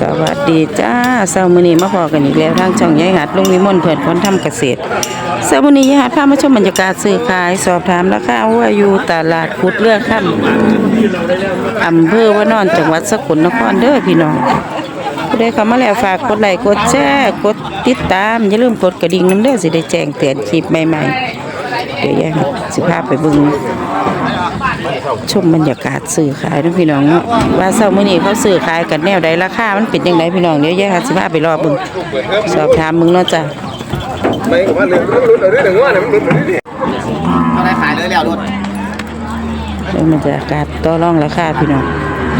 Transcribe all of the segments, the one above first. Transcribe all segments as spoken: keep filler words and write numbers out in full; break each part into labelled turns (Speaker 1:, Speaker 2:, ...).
Speaker 1: สวัสดีจ้าเช้ามื้อนี้มาพอกันอีกแล้วทางช่องยายหัดลุงวิมลเพิ่นคนทำเกษตรเช้ามื้อนี้ยายหัดพามาชมบรรยากาศซื้อขายสอบถามราคาวัวอยู่ตลาดพุดเรือค่ำอำเภอวานอนจังหวัดสกลนครเด้อพี่น้องผู้ใดเข้ามาแล้วฝากกดไลค์กดแชร์กดติดตามอย่าลืมกดกระดิ่งนำเด้อสิได้แจ้งเตือนคลิปใหม่ๆเดี๋ยวยายหัดสิพาไปเบิ่งชมบรรยากาศซื้อขายนะพี่น้องเนาะว่าเช้ามื้อนี้เขาซื้อขายกันแนวใดราคามันเป็นจังไดพี่น้องเดี๋ยวยายหัดสิพาไปรอเบิ่งสอบถามมึงเนาะจ้ะ
Speaker 2: ไม่ก็ว่าเรื่องรุ่นเอาเรื่องว่าเนี่ยมันรุ่นนี่เอาได้ขายเลยแล้วรุ่น
Speaker 1: เบิ่งบรรยากาศต่อรองราคาพี่น้อง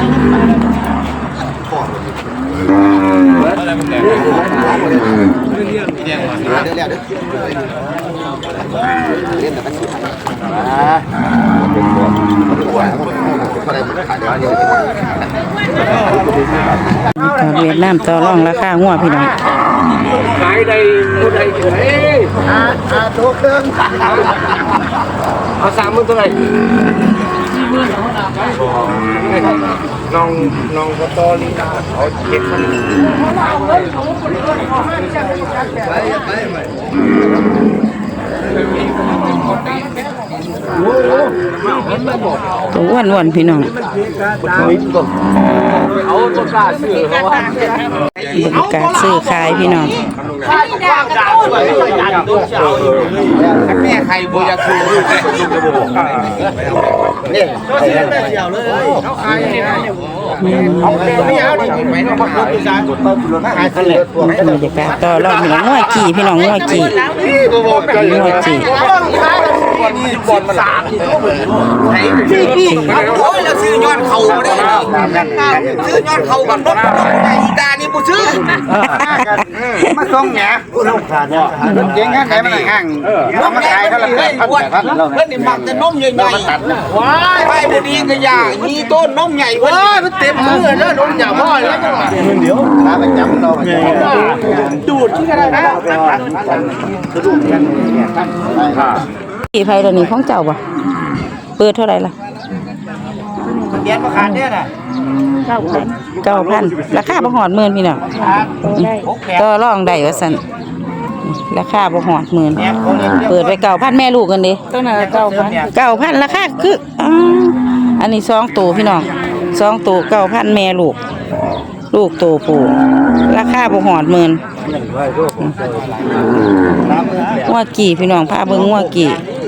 Speaker 1: เวียดนามต่อรองราคางัวพี่น้อง
Speaker 2: ขายได้คนใดเฉยอ่าอ่าถูกเดิมเอาสามหมื่นเท่าไหร่น้องน้องก็ตอลีลาเขาเก็บมัน
Speaker 1: ตัวอ้วนๆพี่น้อง
Speaker 2: เอาต้นกล้าซื้อเขาว่า
Speaker 1: บรรยากาศซื้อขายพี่น้อง
Speaker 2: แม่ใครบูยาคูเนี่ยเขาซื้อแต่เดียวเลยเขาขายเขาไม่เอาดิไม่ต้องมาพูดจาขายกันเลย
Speaker 1: บรรยากาศต่อรองพี่น้องงัวกี่พี่น้องงัวกี่งัวกี่
Speaker 2: บอลมันสามโอ้ยเราซื้อยอดเขาได้ซื้อยอดเขากับรถอีกานี่กูซื้อมาส่งแหนลูกขาดเนี่ยเก่งแค่ไหนมันห่างน้องมาขายเท่าไหร่เพื่อนเพื่อนนี่มักจะนมใหญ่ๆว้ายไปบุรีกระยามีต้นนมใหญ่เว้ยมันเต็มมือแล้วนมใหญ่พ่อแล้วเดี๋ยวถ้าไปจับเราดูดที่กระไรนะสะดุ้งกัน
Speaker 1: กี่ไผ่ตัวนี้ของเจ้าบ่เปิดเท่าไหร่ล่ะ
Speaker 2: เลี้ยงมาขาดเนี่ยนะ
Speaker 1: เก้าพันเก้าพันราคาบ่หอดหมื่นพี่น้องก็ร้องได้ว่าซั่นราคาบ่หอดหมื่นเปิดไปเก้าพันแม่ลูกกันดิตัวนั้นเก้าพันเก้าพันราคาคืออันนี้สองตัวพี่น้องสองตัวเก้าพันแม่ลูกลูกโตปู่ราคาบ่หอดหมื่นงัวกี่พี่น้องพาเบิ่งงัวกี่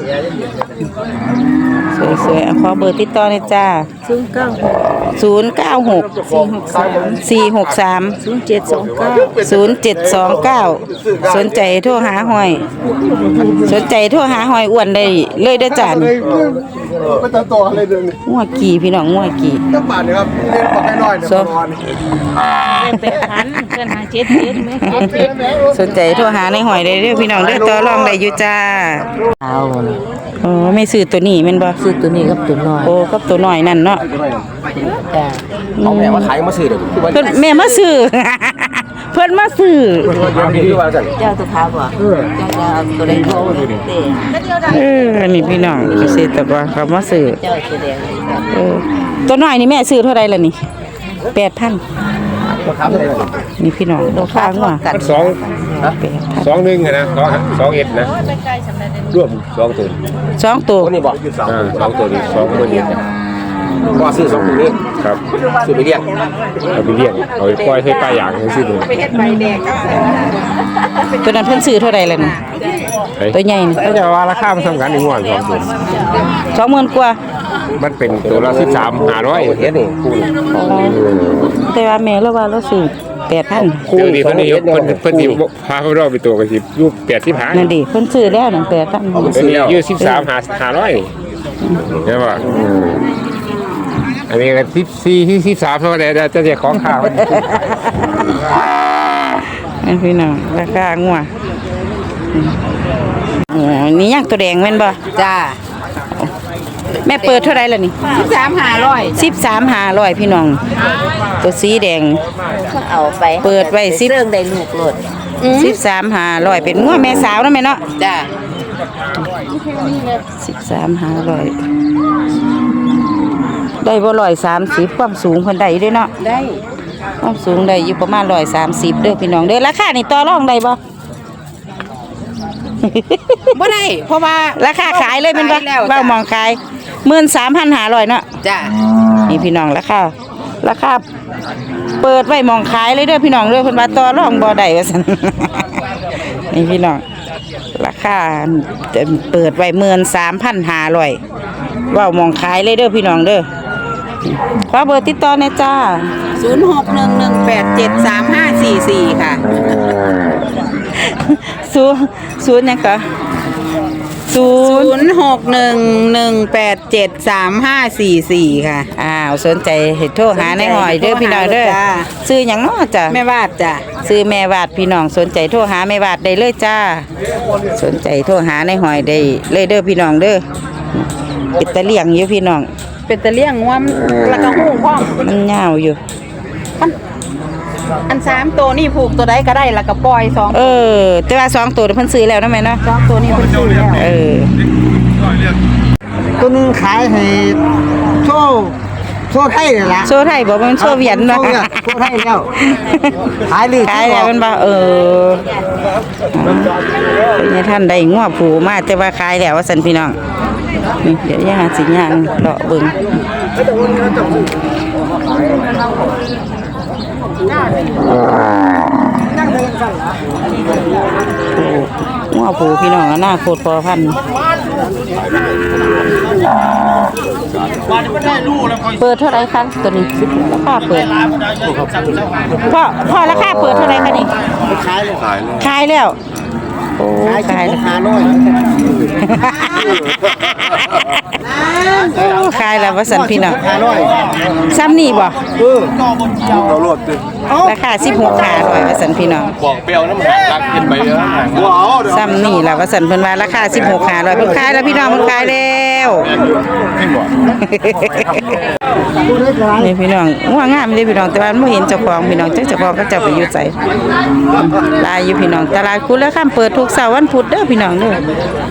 Speaker 1: สวยๆขอเบอร์ติดต่อหน่อยจ้าศูนย์เก้าหก ศูนย์เก้าหก สี่หกสาม ศูนย์เจ็ดสองเก้า ศูนย์เจ็ดสองเก้าสนใจโทรหาหอยสนใจโทรหาหอยอ้วนได้เลยได้จ้านี่
Speaker 2: ไม่ต้องต่ออะไรเลย
Speaker 1: งัวกี่พี่น้องงัวกี่
Speaker 2: ตั้งบาทนี่ครับเล่นบอกน้อยๆเนี่ยประมาณ
Speaker 3: เป็นพันเพื่อนหาเจ็ดเจ็ดไหม
Speaker 1: สนใจโทรหาในหอยได้เด้อพี่น้องเด้อต่อรองได้อยู่จ้า
Speaker 3: เอา
Speaker 1: อ๋อไม่ซื้อตัวนี้แม่นบ่
Speaker 3: ซื้อตัวนี้กับตัวน้อย
Speaker 1: โอ้กับตัวน้อยนั่นเนาะ
Speaker 3: จ้า
Speaker 2: เอาแม่มาขายมาซื้อเด้อ
Speaker 1: เพิ่นแม่มาซื้อเพิ่นมาซื้อ
Speaker 3: เจ้าตัวขาวบ่เจ้าจะเอาตัวใดโตเด้
Speaker 1: เออนี่พี่น้องเกษตรกรเขามาซื้อ
Speaker 3: เจ้าตัวแดง
Speaker 1: เออตัวน้อยนี่แม่ซื้อเท่าใดล่ะนี่ แปดพัน นี่พี่น้องราคางัว
Speaker 4: สองสองหนึ่งนะสองสองเอ็ดนะรวมสองตัว
Speaker 1: สองตัว
Speaker 4: นี่บอกสองตัวนี้สองตัวนี้
Speaker 2: ก็ซื้อสองตัวนี้
Speaker 4: ครับ
Speaker 2: ซื้อไปเลี้ยง
Speaker 4: เอาไปเลี้ยงเอาไปปล่อยให้ปลาอย่างให้ซื้อดู
Speaker 1: ตัวนั้นเพิ่นซื้อเท่าไรล่ะนี่ตัวใหญ่นี่
Speaker 4: ก็จะว่าราคามันสำคัญในงวดสองตัว
Speaker 1: สองหมื่นกว่า
Speaker 4: มันเป็นตัวละสิบสามห้าร้อยเฮ็ดนี่
Speaker 1: แต่ว่าแม่เราว่าเราซื้อแปดพัน
Speaker 4: คู่นี้เพิ่นนี่เพิ่นเพิ่นสิพาเขารอบไปตัวกันสิอยู่แปดสิบห้า
Speaker 1: นั่นดิเพิ่นซื้อแล้วนั่นแปดพัน
Speaker 4: ตัวนี้อยู่สิบสามห้าร้อยใช่ป่ะอันนี้ก็สิบสี่สิบสามเท่าไหร่จะจะของข้าว
Speaker 1: นั่นพี่น้องราคางัวนี่ย่างตัวแดงแม่นบ่
Speaker 3: จ้า
Speaker 1: แม่เปิดเท่าไรล่ะนี่
Speaker 3: สิบสามห้าร้อย
Speaker 1: สิบสามห้าร้อยพี่น้องตัวสีแดง
Speaker 3: เอาไป
Speaker 1: เปิดไว้สิบ
Speaker 3: เรื่องได้ลูกโลด
Speaker 1: สิบสามห้าร้อยเป็นงัวแม่สาวนะแม่เนาะ
Speaker 3: จ้า
Speaker 1: สิบสามห้าร้อยได้บ่ร้อยสามสิบความสูงเพิ่นได้ด้วยเนาะ
Speaker 3: ได้
Speaker 1: ความสูงได้อยู่ประมาณร้อยสามสิบเด้อพี่น้องเด้อราคานี่ต่อรองได้บ่
Speaker 3: บ่ได้เพราะว่า
Speaker 1: ราคาขายเลยเป็นบ่
Speaker 3: ขายแล้วจ้ะ
Speaker 1: เว้ามองขายหมื่นสามพันห้าร้อยเนาะ
Speaker 3: จ้ะ
Speaker 1: นี่พี่น้องราคาราคาเปิดไว้มองขายเลยเด้อพี่น้องเด้อเพิ่นว่าต่อรองบ่ได้ว่าซั่น นี่พี่น้องราคาเปิดไว้หมื่นสามพันห้าร้อยเว้ามองขายเลยเด้อพี่น้องเด้อขอเบอร์ติดต่อหน่อยจ้า
Speaker 3: ศูนย์หกหนึ่งหนึ่งแปดเจ็ดสามห้าสี่สี่ค่ะ
Speaker 1: ศูนย์ศูนย์หยังคะศู
Speaker 3: ศู
Speaker 1: นย์
Speaker 3: นย์หกหนึ่งหนึ่งแปดเจ็ดสามห้าสี่สี่ค่ะ
Speaker 1: อ้าวสนใจเฮ็ดโทรหาในหอยเด้อพี่น้องเด้อ
Speaker 3: จ้า
Speaker 1: ซื้อหยังเนาะจ้ะ
Speaker 3: แม่วาดจ้ะ
Speaker 1: ซื้อแม่วาดพี่น้องสนใจโทรหาแม่วาดได้เลยจ้า สนใจโทรหาในหอยได้เลยเด้อพี่น้องเด้อเป็นตะเลี่ยงอยู่พี่น้อง
Speaker 3: เป็นตะเลี่ยงงวมแล้วก็หูพร้อม
Speaker 1: มันยาวอยู่
Speaker 3: อันสามตัวนี่ผูกตัวใดก็ได้แล้วก็ปล่อยสอง
Speaker 1: เออ แต่ว่าสองตัวเพิ่นซื้อแล้วนะแม่เนาะ
Speaker 3: สองตัวนี้เพิ่นซื้อแล้ว
Speaker 1: เออ
Speaker 2: ตัวหนึงขายให้โซ่โซ่ไทยนี่ล่ะ
Speaker 1: โซไทยบอกว่ามันโซเวียตเนาะ
Speaker 2: โซ่โซ่ไทยแล้วขายลือ
Speaker 1: ขายแล้วมันบ่เออเป็นไงท่านได้งัวผูมาแต่ว่าขายแล้วว่าซั่นพี่น้องนี่เดี๋ยวย่าสิย่างเลาะเบิ่งงัวผูพี่น้องอนาคตพอพันธุ์เปิดเท่าไหร่คะตัวนี้ราคาเปิดพ่อพ่อราคาเปิดเท่าไหร่คะนี่
Speaker 2: ขายเลย
Speaker 1: ขายแล้วโอ้ขายแล้ว
Speaker 2: หาร้อย
Speaker 1: โอ้ขายแล้วว่าสันพี่น้อง
Speaker 2: หาร้อย
Speaker 1: ซ้ำนี่บ่
Speaker 2: เออ
Speaker 1: ราคาสิบหกขาร้อยว่าสันพี่น้อง
Speaker 4: บอกเปรี้ยวน้ำหางรักกินไปเยอะ
Speaker 2: ว้าว
Speaker 1: ซ้ำนี่แหละว่าสันเพิ่นว่าราคาสิบหกขาร้อยเพิ่นขายแล้วพี่น้องเพิ่นขายแล้วนี่พี่น้องง่วงงามเลยพี่น้องแต่ว่าไม่เห็นเจ้าของพี่น้องจักเจ้าของก็จะไปอยู่ไสลายอยู่พี่น้องตลาดคุณแล้วข้ามเปิดทุกเสาร์วันพุธเด้อพี่น้องเด้อ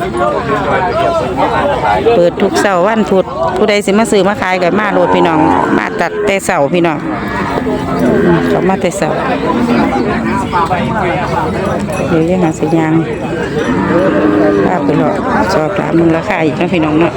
Speaker 1: เปิดทุกเสาร์วันพุธผู้ใดสิมาซื้อมาขายก็มาโลดพี่น้องมาตัดแต่เสาร์พี่น้องอืมเขามาแต่เสาร์เดี๋ยวยังหาสิยางภาพไปหรอกสอบถามมึงราคาอีกนะพี่น้องเนาะ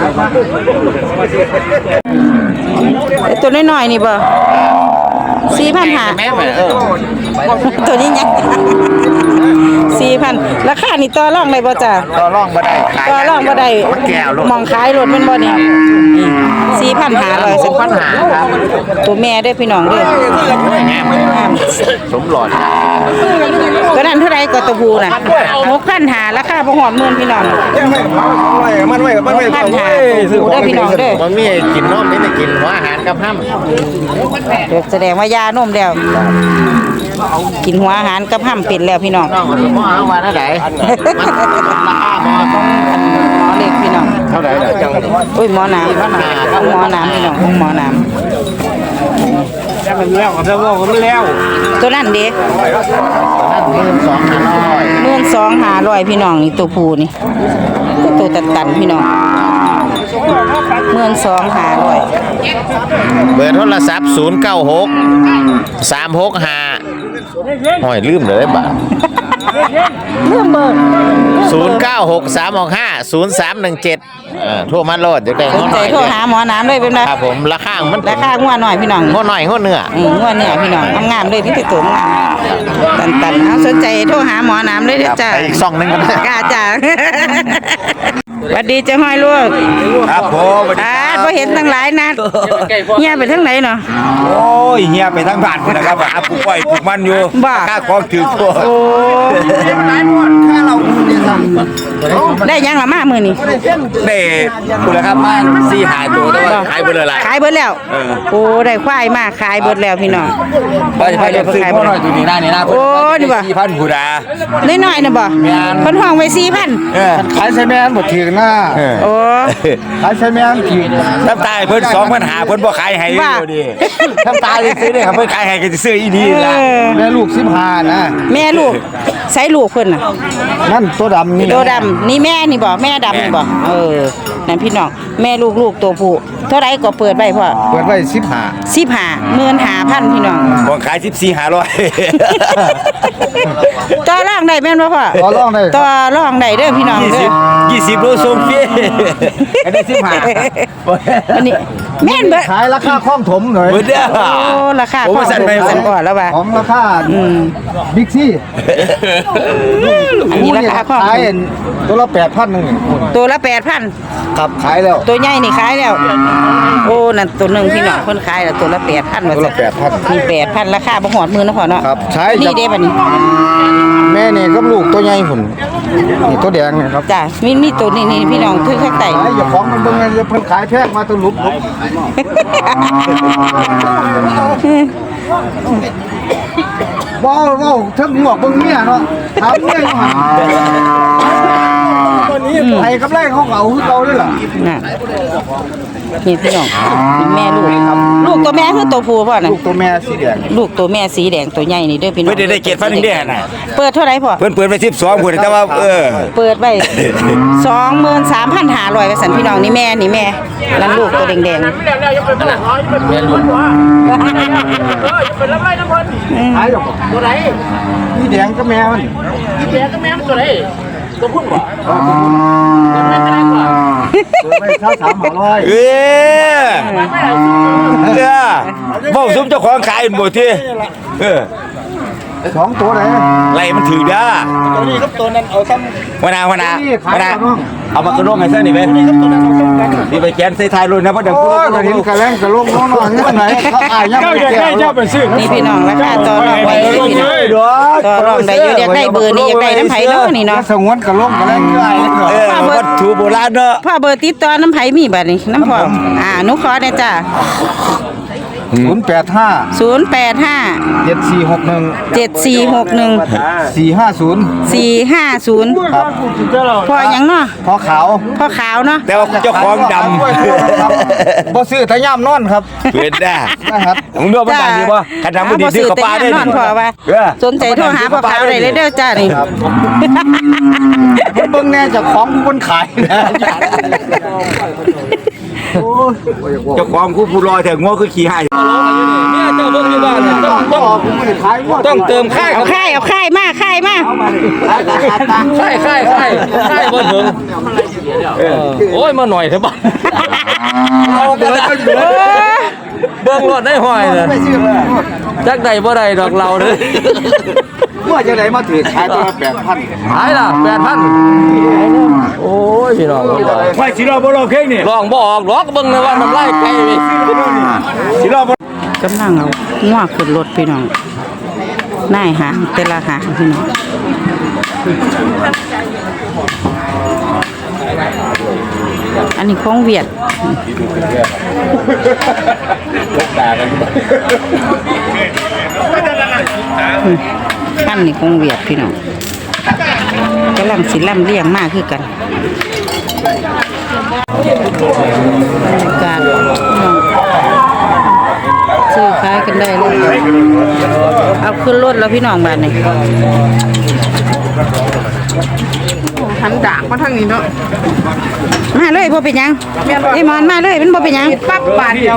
Speaker 1: ไอ้ตัวน้อยๆนี่บ่สี่พันหาตัวนี้ยังสี่พันราคานี่ต่อรองได้บ่จ้ะ
Speaker 2: ต่อรองบ่ได้ขาย
Speaker 1: ต่อรองบ่ได้
Speaker 2: มันแก้วลูก
Speaker 1: มองขายรถแมันบ่นี่สี่พันหาร้อยสิบพันหาครับตัวแม่เด้อพี่น้องเด้อ
Speaker 2: งามงามสมหลอด
Speaker 1: ก็นั่นเท่าไรก็ตัวผู้น่ะหกพันหาราคาบ่ฮอดหมื่นพี่น้อง
Speaker 2: มันไว้มันไว้
Speaker 1: พันหาตัวผู้เด้อพี่น้องเด้อ
Speaker 2: มันมีกินนมนี่ได้กินหัวอาหารกับห้ำ
Speaker 1: เดี๋ยวแสดงว่ายานมแล้วกินหัวอาหารกับห้ำเป็ดแล้วพี่น้อง
Speaker 2: น้องมันหมอเอามาเท่าไหร่มันราคาหมอ
Speaker 1: หมอเล็กพี่น้อง
Speaker 2: เท่าไหร่ล่ะจัง
Speaker 1: อุ้ยหมอน้ำหมอน้ำพี่น้องหมอน้
Speaker 2: แล้วมันแล้วกับแล้วก็ไม่แล้ว
Speaker 1: ำตัวนั้นเด้
Speaker 2: นั่นหมื่นสองพันร้อย
Speaker 1: หมื่นสองหาร้อยพี่น้องนี่ตัวผู้นี่ตัวตันตันๆพี่น้องหมื่นสองหาร้อย
Speaker 5: เบอร์โทรศัพท์ศูนย์เก้าหกสามหกห้าห้อยลืมเลยบ่า
Speaker 1: เรื่องเบอร์
Speaker 5: ศูนย์เก้าหกสามหกห้าศูนย์สามหนึ่งเจ็ดโทรมาโลดเดี๋ยวได้
Speaker 1: ส
Speaker 5: ง้
Speaker 1: น
Speaker 5: อห
Speaker 1: ใจ
Speaker 5: น่อย
Speaker 1: โทรหาหมอน้ำเลยเป็นไง
Speaker 5: ครับผมราคามัน
Speaker 1: ราคางัวหน่อยพี่น้อง
Speaker 5: ง้อหน่อยง้อเนื้อ
Speaker 1: อืมงัวเนี่ยพี่น้องงามๆเลยที่ติดตัวงามตันตันๆเอาสนใจโทรหาหมอน้ำเลยเด้อจ้า
Speaker 5: ไปอีกซองหนึงกันนะ
Speaker 1: กล้าจ้าสวัสดีเจ้าห้อยลูก
Speaker 2: ครับผม
Speaker 1: อ่าพอเห็นตั้งหลายนัดเฮียไปทั้งไหนเนาะ
Speaker 2: โอ้ยเฮียไปทั้งบ้านพุ่นนะครับหาปลูกอ้อยปลูกมันอยู่
Speaker 1: บ้า
Speaker 2: ค่าของถือตัว
Speaker 1: โอ้ได้ยังละมามือนี่
Speaker 2: เด้คุณละครับมาสี่หายตัวแต่ว่าขายไปเลยล่ะ
Speaker 1: ขายเบิดแล้วโอ้ได้ควายมาขายเบิดแล้วพี่น้อง
Speaker 2: ไปไปเดี๋ยวซื้อพ่อหน่อยตัวนี้หน้านี่นะ
Speaker 1: โอ้นี่บ่
Speaker 2: สี่พันผู้ดา
Speaker 1: น้อยๆน่ะบ่เพิ่นห้องไว้สี่พัน
Speaker 2: เออขายใช้แม่นบ่ถือหน้า
Speaker 1: โอ้
Speaker 2: ขายใช้แม่นถือน้ำตาเพิ่นสองพันหาเพิ่นบ่ขายให้อยู่ดิน้ำตาสิซื้อได้ครับเพิ่นขายให้ก็สิซื้ออีดีล่ะแม่ลูกสิบห้านะ
Speaker 1: แม่ลูกใส่ลูกเพิ่นน่ะ
Speaker 2: นั่นตัวดำนี่
Speaker 1: ตัวดำนี่แม่นี่บ่แม่ดำนี่บ่เออนั่นพี่น้องแม่ลูกๆตัวผู้เท่าไรก็เปิดไว้พ่อ
Speaker 2: เปิดไว้สิบห้า
Speaker 1: สิบห้าหมื่นห้าพันพี่น้อง
Speaker 2: บ่ขายสิบสี่ห้าร้อย
Speaker 1: ต่อรองได้แม่นบ่พ่อ
Speaker 2: ต่อรองได้
Speaker 1: ต่อรองได้เด้อพี่น้องเด้อ
Speaker 2: ยี่สิบโลส่งฟรีอันนี้สิบห้า
Speaker 1: อันนี้แม่นเบิด
Speaker 2: ขายราคาคล่องถมหน่อย
Speaker 5: เบิดเด้อ
Speaker 1: โอ้ราคา
Speaker 5: โอ้
Speaker 1: ของ
Speaker 5: สั่นไป
Speaker 1: สั่นก่อนแล้วว่า
Speaker 2: ของราคาบิ๊กซี่
Speaker 1: อันนี้ราคาของ
Speaker 2: ขายตัวละแปดพันหนึ่ง
Speaker 1: ตัวละแปดพัน
Speaker 2: ครับขายแล้ว
Speaker 1: ตัวใหญ่นี่ขายแล้ว โอ้นั่นตัวหนึงพี่น้องเพิ่นขายแล้วตัวละแปดพันว่า
Speaker 2: ตัว
Speaker 1: ซั่
Speaker 2: ละ
Speaker 1: น
Speaker 2: แปดพัน
Speaker 1: มีแปดพันราคาบ่ฮอดหมื่นเนาะพ่อเนาะ
Speaker 2: ครับใช้
Speaker 1: นี่เด้บัดนี้
Speaker 2: แม่นี่กับลูกตัวใหญ่หุ่นนี่ตัวแดงนะครับ
Speaker 1: จ้ะมีมีตัวนี้นี่พี่น้องคือข้างใต้
Speaker 2: ขายอย่าของมันเบิ่งเลยเพิ่นขายแพงมาตัวลุบบ่บ่เทิงหมวกเบิ่งเมียเนาะถามเมียอยู่หั่นไอ้กำไรเขาเอาคือเก่าด้วยล่ะ
Speaker 1: น่ะนี่พี่น้องเป็นแม่ลูกลูกตัวแม่คือตัวผู้พ่อน่ะ
Speaker 2: ลูกตัวแม่สีแดง
Speaker 1: ลูกตัวแม่สีแดงตัวใหญ่นี่เด้อพี่น้อง
Speaker 5: ไม่ได้ได้เกียรติฟันหนึ่งเด้อน่ะ
Speaker 1: เปิดเท่าไหร่พ่อ
Speaker 5: เพิ่นเปิดไปสิบสองคนแต่ว่าเออ
Speaker 1: เปิดไว้ สองหมื่นสามพันห้าร้อยว่าซั่นพี่น้องนี่แม่นี่แม่นั่นลูกตัวแดง
Speaker 2: ขายหรอกตัวไหนนี่แดงก็แม่มันนี่แดงก็แม่มันตัวไหนตัวพุ่นบ่ตัวไม่ได้กว่าตัวไม่เท่าสามห้าร้อย
Speaker 5: เอ้ยเด้อบ่ซุมเจ้าของขายอันบ่ทีเออ
Speaker 2: สองตัวไหน
Speaker 5: ไล่มันถือเด้อ
Speaker 2: ตัวนี้กับตัวนั้นเอาซ้ำ
Speaker 5: วนาวนาว
Speaker 2: นี่ขาย
Speaker 5: นา
Speaker 2: กับน้อง
Speaker 5: เอามากระโดงให้ซะนี่แม่นี่ไปแกนใส่ท้ายรถนะเพราะเดี๋ยว
Speaker 2: โอ้
Speaker 5: กู
Speaker 2: ยกระถิ่นกระแลงกระโลงน้องๆนี่มันไหนเขาขายยังไม่แก่เจ้าเป็นซื้อ
Speaker 1: ๆนี่พี่น้องราคาต่อรองไว้เด้อพี่น้องต่อรองได้อยู่อยากได้เบอร์นี่อยากได้น้ำไผเนาะนี่เนาะ
Speaker 2: สงวนกระโลงกระแลงอยู่ไอ้
Speaker 5: เออวัตถุโบราณเนาะ
Speaker 1: พ่อเบอร์ติดต่อน้ำไผมีบัดนี้น้ำพ่ออ่าหนูขอได้จ้ะ
Speaker 2: ศูนย์แปดห้า
Speaker 1: ศูนย์แปดห้า
Speaker 2: เจ็ดสี่หกหนึ่ง
Speaker 1: เจ็ดสี่หกหนึ่ง
Speaker 2: สี่ห้าศูนย์
Speaker 1: สี่ห้าศูนย์
Speaker 2: ครับ
Speaker 1: พ่อหยังเนาะ
Speaker 2: พอขาว
Speaker 1: พ่อขาวเนาะ
Speaker 5: แต่ว่าเจ้าของด
Speaker 2: บ่ซื้อแต่ย่ำนอนครับ
Speaker 5: ำเห็นได้
Speaker 2: นะครับ
Speaker 5: มึงดูมันได้ดีป่ะขันดำมันดีซื้อกับปลาได้
Speaker 1: นอนพ่อว่า
Speaker 5: เออ
Speaker 1: สนใจโทรหาพ่อขาวได้เลยเด้อจ้านี่
Speaker 2: ครับ เบิ่งแน่เจากของคนขายนะ
Speaker 5: เจ้าของคู่ผู้ลอยแต่งัวคือขี้ให้
Speaker 3: เนี่ยเจ้าเบิ่งอยู่บ้านเนี่ยต้องต้อง
Speaker 2: ขายหมด
Speaker 3: ต้องเติมค่าย
Speaker 1: เอาค่ายเอาค่ายมาค่ายมา
Speaker 3: ค่ายค่ายค่ายค่ายบ่ถึงเออโอ้ยมาหน่อยเถอะบ้านเบิ่งรถได้ห้อยน่ะจักได้บ่ได้ดอกเราเด้อ
Speaker 2: เมื่อจะไหนมาถือขายตัวละแปดพัน
Speaker 3: หายล่ะแปดพันโอ้ยพี่น้อง
Speaker 5: ไฟสีรอบ่รอเค้กนี่
Speaker 3: ลองบ่ออกหรอกเบิ่งเลยว่าน้ำลายไก่เว้ย
Speaker 5: สีรอบ่
Speaker 1: กำลังเอางัวขึ้นรถพี่น้องนายหางแต่ละหางพี่น้องอันนี้ของเวียดอันนี้ของเวียดพี่น้องกำลังสิล่ำเลี้ยงมากคือกันบรรยากาศพี่น้องซื้อขายกันได้เลยเอาขึ้นรถแล้วพี่น้องบ้านนี่หันดากมาทางนี้เนาะมาเลยบ่เป็นหยังไอ้มอนมาเลยมันบ่เป็นหยังปั๊บบาทเดียว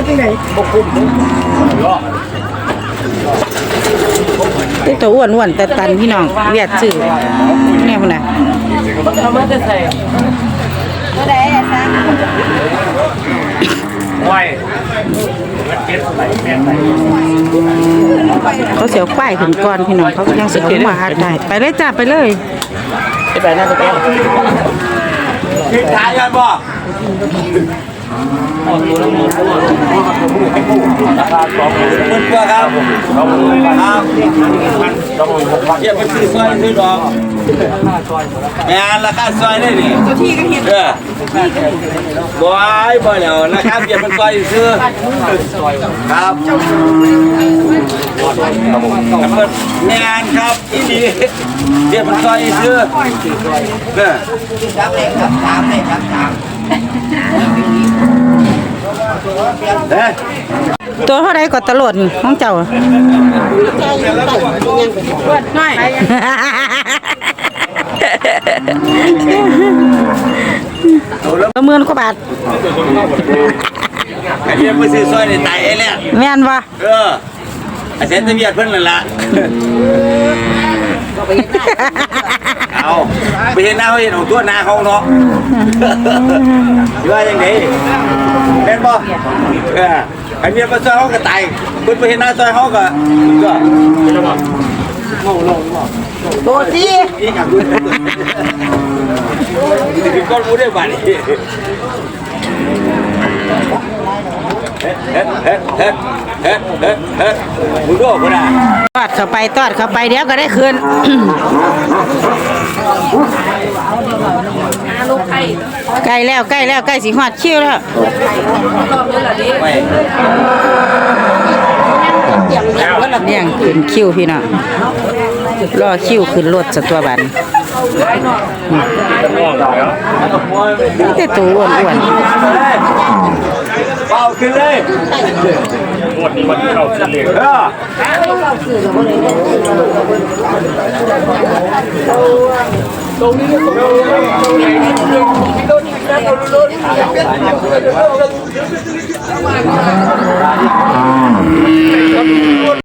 Speaker 1: เป็นตัวอ้วนๆแต่ตันพี่น้องเวียดซื้อแน่พุ่นน่ะเขาเสียวควายถึงก่อนพี่น้องเขาก็ยังสิเอามาหาได้ไปเลยจ้าไปเลย
Speaker 3: ไปนั่นก็
Speaker 5: ขายกันบ่
Speaker 3: เอาตัวละหมื่น
Speaker 5: ราคาสองหมื่นกว่าครับครับเก็บไปซื้อซอยซื้อดอกแม่ราคาซอยได้นี่ตัวที่ก็เห็นเออบ่อยบ่แล้วราคาเก็บเป็นซอยซื้อครับแม่นครับอีนี่เก็บเป็นซอยซื้อเด้อ เด้อ
Speaker 1: ตัวเท่าไรก็ตลอดนี่ของเจ้าน้อยละหมื่นกว่าบาท
Speaker 5: ไอ้เบี้ยไปซื้อซอยในไตไอ้แหละ
Speaker 1: แม่นบ่
Speaker 5: เออไอ้เซนต์เบียดเพิ่นนั่นละเอาไปเห็นหน้าเขาเห็นของตัวหน้าเขาเนาะว่าอย่างไงแม่นบ่เออไอ้เบี้ยไปซอยเขาก็ตายเพิ่นไปเห็นหน้าซอยเขาก็ก็ตัวที่อีกอย่างคือก้อนมูได้บาดนี่เฮ็ดเฮ็ดเฮ็ดเฮ็ดเฮ็ดเฮ็ดมึงดูบ่ได้
Speaker 1: ตอดเข้าไปตอดเข้าไปเดี๋ยวก็ได้คืน ใกล้แล้วใกล้แล้วใกล้สิฮอดคิวแล้ว
Speaker 5: ไม่
Speaker 1: เลี้ยงขึ้นคิวพี่น้องรอคิวขึ้นรถสตัวบันนี่แต่ตัวอ้วน
Speaker 5: เป่าขึ้นเลยหมดนี้วันที่เราเสียเออตรงนี้ตรงนี้